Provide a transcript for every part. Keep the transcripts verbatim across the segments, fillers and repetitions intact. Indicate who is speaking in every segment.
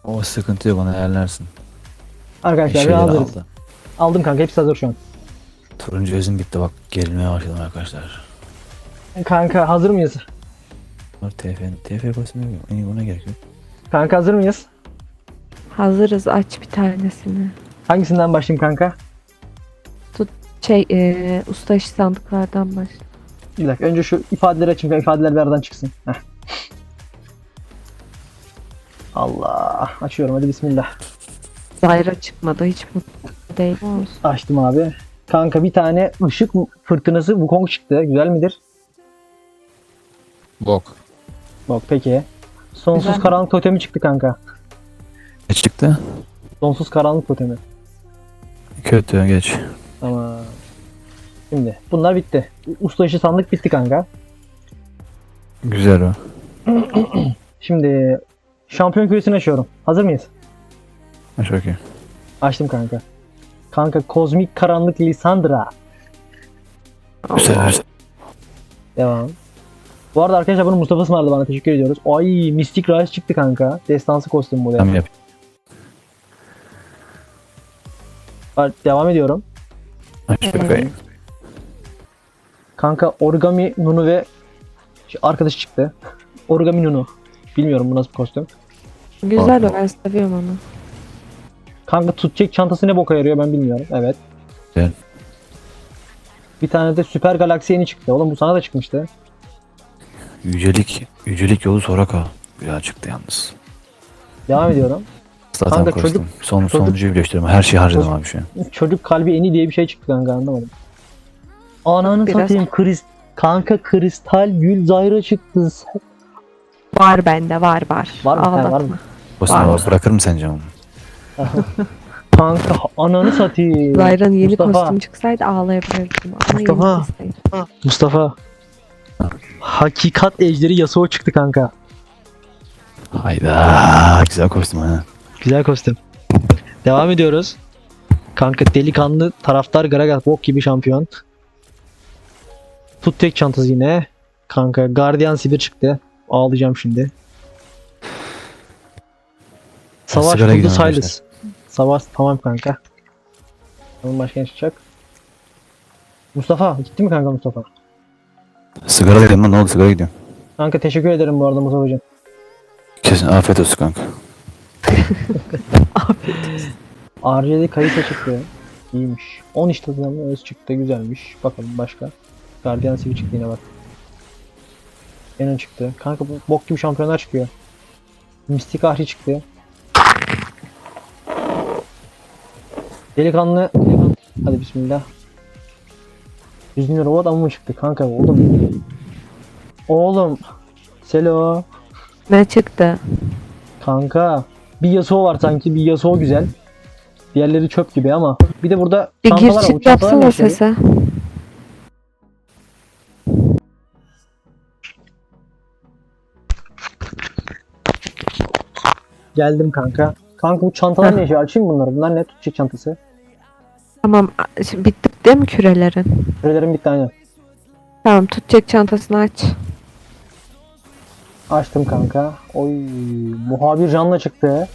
Speaker 1: O sıkıntı yok, onu ayarlarsın.
Speaker 2: Arkadaşlar
Speaker 1: Şeyleri
Speaker 2: hazırız.
Speaker 1: aldı.
Speaker 2: Aldım kanka, hepsi hazır şu an.
Speaker 1: Turuncu özüm bitti bak, gerilmeye başladım arkadaşlar.
Speaker 2: Kanka hazır mıyız?
Speaker 1: Var T F, T F basmıyor mu? İyi, buna gerek yok.
Speaker 2: Kanka hazır mıyız?
Speaker 3: Hazırız, aç bir tanesini.
Speaker 2: Hangisinden başlayayım kanka?
Speaker 3: Şey eee usta işi sandıklardan başla.
Speaker 2: Bir dakika, önce şu ifadeleri açayım kanka, ifadeler bir aradan çıksın. Heh. Allah, açıyorum hadi bismillah.
Speaker 3: Zayra çıkmadı, hiç mutlu değil olsun.
Speaker 2: Açtım abi. Kanka bir tane ışık fırtınası Wukong çıktı. Güzel midir?
Speaker 1: Bok.
Speaker 2: Bak peki. Sonsuz
Speaker 3: Güzel.
Speaker 2: karanlık totemi çıktı kanka.
Speaker 1: Ne çıktı?
Speaker 2: Sonsuz karanlık totemi.
Speaker 1: Kötü, geç.
Speaker 2: Tamam. Şimdi bunlar bitti. Usta işi sandık bitti kanka.
Speaker 1: Güzel o.
Speaker 2: Şimdi şampiyon küresini açıyorum. Hazır mıyız?
Speaker 1: Aç bakayım.
Speaker 2: Açtım kanka. Kanka kozmik karanlık Lissandra.
Speaker 1: Güzel.
Speaker 2: Devam. Bu arada arkadaşlar bunu Mustafa ısmarladı bana, teşekkür ediyoruz. Ay Mystic Rise çıktı kanka. Destansı kostüm bu.
Speaker 1: Tamam, yap.
Speaker 2: Bak, devam ediyorum.
Speaker 1: Aç bakayım.
Speaker 2: Kanka Origami Nunu ve şu arkadaşı çıktı. Origami Nunu. Bilmiyorum bu nasıl bir kostüm.
Speaker 3: Güzel o, ben seviyorum onu.
Speaker 2: Kanka tutacak çantası ne boka yarıyor ben bilmiyorum. Evet.
Speaker 1: Güzel.
Speaker 2: Bir tane de Süper Galaksi yeni çıktı. Oğlum bu sana da çıkmıştı.
Speaker 1: Yücelik, yücelik yolu Soraka. Güzel çıktı yalnız.
Speaker 2: Devam ediyorum.
Speaker 1: Zaten
Speaker 2: Kanka
Speaker 1: koştum.
Speaker 2: çocuk-
Speaker 1: Son,
Speaker 2: çocuk-
Speaker 1: sonuncuyu birleştirdim. Her şeyi harcadım
Speaker 2: Çocuk-
Speaker 1: abi şu an.
Speaker 2: Çocuk kalbi eni diye bir şey çıktı kanka, anlamadım. Ananı
Speaker 3: Biraz-
Speaker 2: satayım krist kanka kristal gül zayra çıktı.
Speaker 3: Var bende, var var.
Speaker 2: Var mı? He,
Speaker 3: Ağlatma.
Speaker 2: var mı?
Speaker 1: Basına
Speaker 3: Var.
Speaker 1: bırakır mı sence onu?
Speaker 2: Kanka ananı satayım.
Speaker 3: Zayra'nın yeni
Speaker 2: Mustafa.
Speaker 3: kostüm çıksaydı ağlayabilirdim. Ama
Speaker 2: Mustafa.
Speaker 3: yenisi değil.
Speaker 2: Mustafa. Hakikat ejderi Yasuo çıktı kanka.
Speaker 1: Hayda. Güzel kostüm ha.
Speaker 2: Güzel kostüm. Devam ediyoruz. Kanka delikanlı taraftar Gragas bok gibi şampiyon. Tut tek çantası yine. Kanka Guardian Sivir çıktı. Ağlayacağım şimdi. Savaş
Speaker 1: Sigara
Speaker 2: buldu
Speaker 1: gidiyorum
Speaker 2: Silas. Savaş tamam kanka. Onun başka ne çıkacak? Mustafa gitti mi kanka Mustafa?
Speaker 1: Sigara gidiyorum lan, ne oldu, sigara gidiyorum.
Speaker 2: Kanka teşekkür ederim bu arada Mustafa'cığım.
Speaker 1: Kesin afiyet olsun kanka.
Speaker 2: R J D kayıta çıktı. İyiymiş. on işte zaman öz çıktı, güzelmiş. Bakalım başka. Guardian Sivir çıktı yine bak. Enon çıktı. Kanka bu bok gibi şampiyonlar çıkıyor. Mistik Ahri çıktı. Delikanlı. Hadi bismillah. yüz bin robot ama mı çıktı kanka oğlum. Oğlum. Selo.
Speaker 3: Ne çıktı?
Speaker 2: Kanka. Bir Yasuo var sanki. Bir Yasuo güzel. Diğerleri çöp gibi ama. Bir de burada
Speaker 3: Bir gir
Speaker 2: çantalar var. Bu
Speaker 3: çık
Speaker 2: çantalar ne
Speaker 3: yapsana
Speaker 2: işe yarıyor?
Speaker 3: sese.
Speaker 2: Geldim kanka. Kanka bu çantalar ne işe? Açayım bunları. Bunlar ne? Tutacak çantası.
Speaker 3: Tamam, a- şimdi bitti değil mi kürelerin?
Speaker 2: Sürelerim bitti aynen.
Speaker 3: Tamam, tutacak çantasını aç.
Speaker 2: Açtım kanka. Oy, muhabir canla çıktı.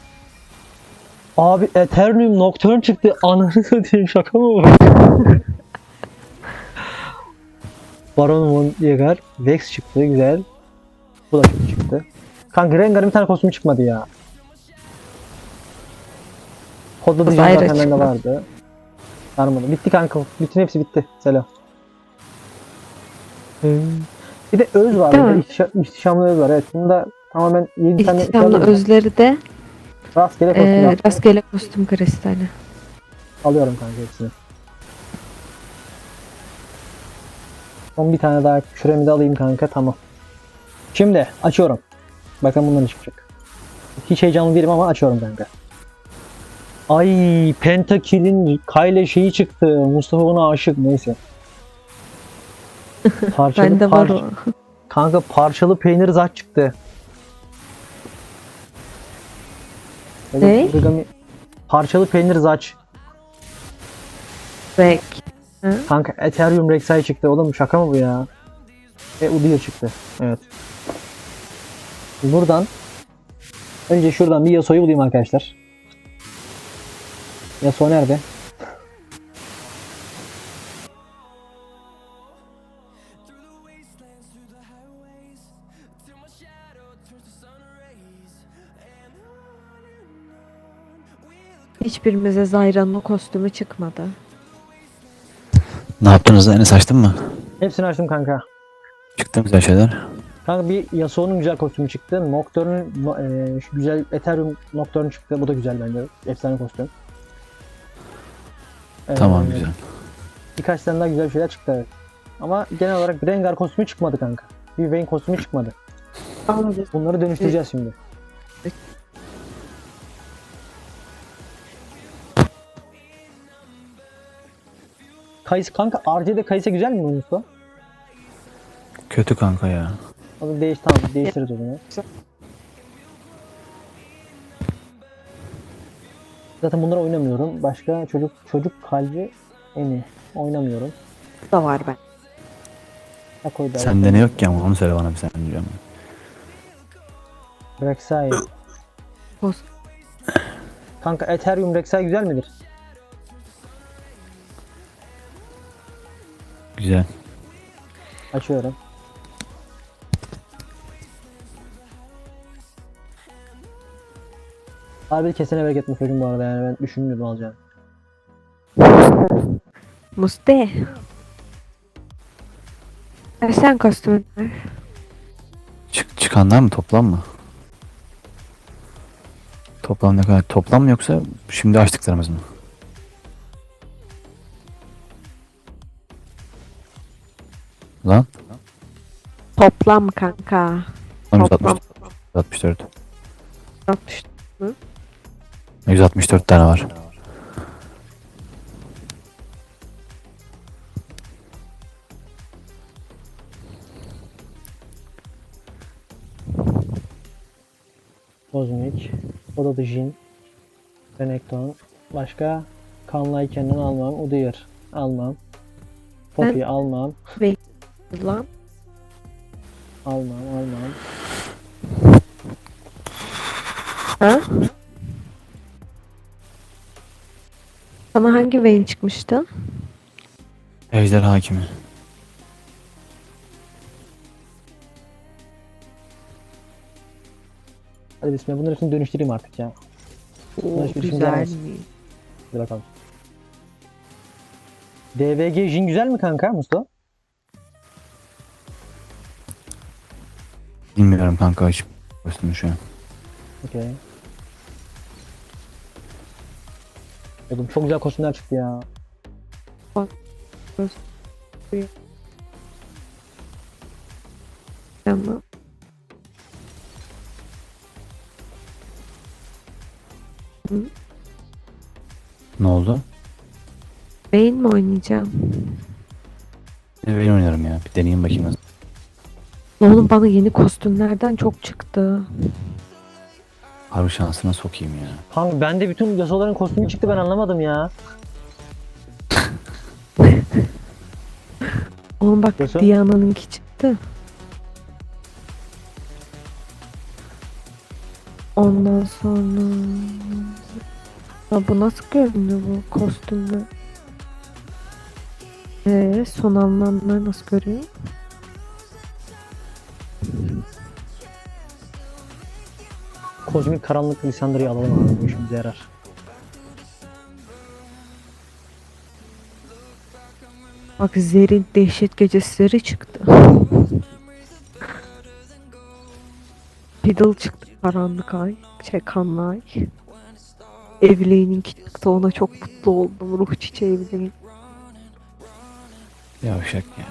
Speaker 2: Abi Eternium Nocturne çıktı. Ananı satayım, şaka mı bu? Baron von Yeager Vex çıktı, güzel. Bu da kötü çıktı. Kanka Rengar'ın bir tane kostümü çıkmadı ya. Kodladı
Speaker 3: Zayra
Speaker 2: zaten bende
Speaker 3: çıkmadı.
Speaker 2: vardı. Sarmadı. Bitti kanka. Bütün hepsi bitti. Selam. Hmm. Bir de öz var.
Speaker 3: Değil
Speaker 2: Bir de
Speaker 3: mi?
Speaker 2: ihtişa- İhtişamlı öz var. Evet. Bunda tamamen yedi tane
Speaker 3: İhtişamlı
Speaker 2: şey
Speaker 3: özleri de
Speaker 2: rastgele kostüm
Speaker 3: e,
Speaker 2: yaptım.
Speaker 3: rastgele kostüm kristali.
Speaker 2: Alıyorum kanka hepsini. Son bir tane daha küremi de alayım kanka, tamam. Şimdi açıyorum. Bakın bunlar ne çıkacak. Hiç heyecanlı değilim ama açıyorum kanka. Ay Pentakill'in Kayle şeyi çıktı. Mustafa buna aşık, neyse. Parçalı,
Speaker 3: Bende var
Speaker 2: par-
Speaker 3: o.
Speaker 2: Kanka parçalı peynir zat çıktı. Evet,
Speaker 3: Ne?
Speaker 2: origami- Parçalı peynir zaç.
Speaker 3: Rek.
Speaker 2: Kanka Ethereum Rek'Sai çıktı. Oğlum şaka mı bu ya? Ve Udyr çıktı. Evet. Buradan Önce şuradan bir Yasuo'yu bulayım arkadaşlar. Yasuo nerede?
Speaker 3: Hiçbirimize Zayra'nın o kostümü çıkmadı.
Speaker 1: Ne yaptınız lan? Enes açtın mı?
Speaker 2: Hepsini açtım kanka.
Speaker 1: Çıktı mı güzel şeyler?
Speaker 2: Kanka bir Yasuo'nun güzel kostümü çıktı. Nocturne'un no- e, şu güzel Ethereum Nocturne çıktı. Bu da güzel bence. Efsane kostüm. Ee,
Speaker 1: Tamam güzel.
Speaker 2: Birkaç tane daha güzel şeyler çıktı evet. Ama genel olarak bir Rengar kostümü çıkmadı kanka. Bir Vayne kostümü çıkmadı.
Speaker 3: Anladım.
Speaker 2: Bunları dönüştüreceğiz şimdi. Kayısı kanka R C'de Kayısı güzel mi Mustafa?
Speaker 1: Kötü kanka ya.
Speaker 2: O zaman değiş tamam değiştiririz o zaman. Zaten bunları oynamıyorum. Başka çocuk çocuk kalbi eni oynamıyorum.
Speaker 3: Bu da var ben.
Speaker 2: Ha koy da.
Speaker 1: Sende ne yok ki ama onu söyle bana bir sen diyeceğim.
Speaker 2: Rek'Sai.
Speaker 3: Kost
Speaker 2: Kanka Ethereum Rek'Sai güzel midir?
Speaker 1: Güzel.
Speaker 2: Açıyorum. Harbi kesene bereket mi çocuğum bu arada yani ben düşünmüyordum alacağını.
Speaker 3: Muste. Ver sen kostümünü ver.
Speaker 1: Çık, çıkanlar mı toplam mı? Toplam ne kadar? Toplam mı yoksa şimdi açtıklarımız mı? Lan?
Speaker 3: Toplam kanka. Toplam.
Speaker 1: yüz altmış dört.
Speaker 3: altmış.
Speaker 1: yüz altmış dört tane var.
Speaker 2: Kozmik. O da Jin. Renekton. Başka Kanlay kendini almam. Udyr almam. Poppy almam.
Speaker 3: Lan.
Speaker 2: Almam almam.
Speaker 3: Ha? Sana hangi Vayne çıkmıştı?
Speaker 1: Ejder hakimi.
Speaker 2: Hadi bismillah bunları hepsini dönüştüreyim artık ya.
Speaker 3: Oo,
Speaker 2: hiçbir işim
Speaker 3: güzel
Speaker 2: gelmez.
Speaker 3: mi?
Speaker 2: Hadi bakalım. D V G Jin güzel mi kanka Mustafa?
Speaker 1: Bilmiyorum kanka hiç kostümü şu an.
Speaker 2: Okey. Oğlum çok güzel kostümler çıktı ya.
Speaker 3: Tamam.
Speaker 1: Ne oldu?
Speaker 3: Vayne mi oynayacağım?
Speaker 1: Ben oynarım ya. Bir deneyeyim bakayım nasıl.
Speaker 3: Oğlum bana yeni kostümlerden çok çıktı.
Speaker 1: Harbi şansına sokayım ya.
Speaker 2: Kanka bende bütün Yasuo'ların kostümü çıktı ben anlamadım ya.
Speaker 3: Oğlum bak
Speaker 2: Nasıl?
Speaker 3: Diana'nınki çıktı. Ondan sonra... Ya bu nasıl görünüyor bu kostümler? Ee, son anlamlar nasıl görüyor?
Speaker 2: Kozmik karanlık Lissandra'yı alalım abi bu işimize yarar.
Speaker 3: Bak Zer'in dehşet gecesileri çıktı. Fiddle çıktı karanlık ay. Şey kanlı ay. Evley'ninki çıktı ona çok mutlu oldum. Ruh çiçeği Evleyn.
Speaker 1: Yavşak ya.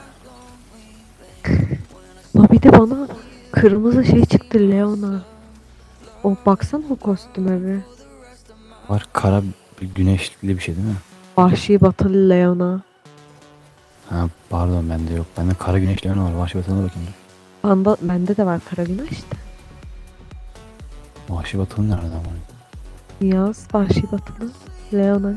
Speaker 3: La bir de bana kırmızı şey çıktı Leona. O baksana o kostüme bir.
Speaker 1: Var kara bir güneşli bir şey değil mi?
Speaker 3: Vahşi batılı Leona.
Speaker 1: Ha pardon bende yok. Bende kara güneşli yanı var. Vahşi Batı'na bakayım. dur.
Speaker 3: Banda, bende de var kara güneş de.
Speaker 1: Vahşi Batı'nın nereden var?
Speaker 3: Yaz vahşi batılı Leona.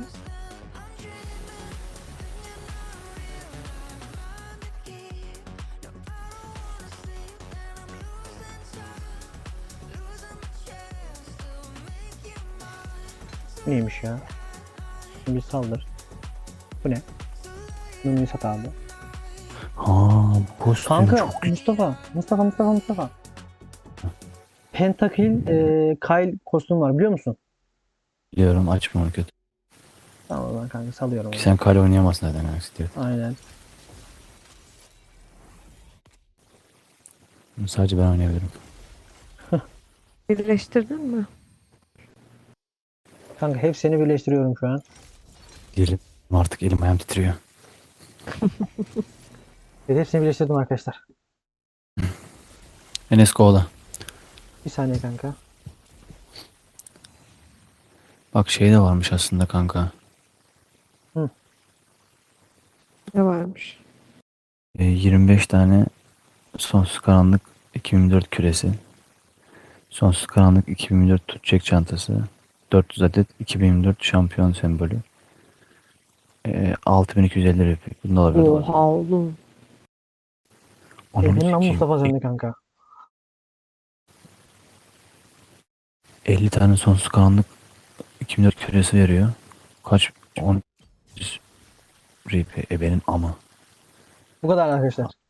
Speaker 2: Neymiş ya? Bir saldır. Bu ne? Nunu'yu sat abi.
Speaker 1: Ha bu kostüm
Speaker 2: Kanka
Speaker 1: çok güzel.
Speaker 2: Mustafa. Mustafa Mustafa Mustafa. Pentakill e, Kyle kostüm var biliyor musun?
Speaker 1: Biliyorum, açma onu kötü.
Speaker 2: Tamam o zaman kanka salıyorum
Speaker 1: Ki
Speaker 2: onu.
Speaker 1: sen kale oynayamazsın zaten aksi diyor.
Speaker 2: Aynen.
Speaker 1: Sadece ben oynayabilirim.
Speaker 3: Birleştirdin mi?
Speaker 2: Kanka hepsini birleştiriyorum şu an.
Speaker 1: Diyelim. Artık elim ayağım titriyor.
Speaker 2: Evet, hepsini birleştirdim arkadaşlar.
Speaker 1: Enes kovala.
Speaker 2: Bir saniye kanka.
Speaker 1: Bak şey de varmış aslında kanka.
Speaker 3: Ne varmış?
Speaker 1: E, yirmi beş tane sonsuz karanlık iki bin yirmi dört küresi. Sonsuz karanlık iki bin yirmi dört tutacak çantası. dört yüz adet iki bin yirmi dört şampiyon sembolü. E, altı bin iki yüz elli rupi. Bunu da alabilir
Speaker 3: Oha oğlum.
Speaker 1: Onu
Speaker 2: Ebenin lan
Speaker 1: sikeyim.
Speaker 2: Mustafa sende kanka.
Speaker 1: elli tane sonsuz karanlık iki bin yirmi dört küresi veriyor. Kaç? on rupi. Ebenin ama.
Speaker 2: Bu kadar arkadaşlar.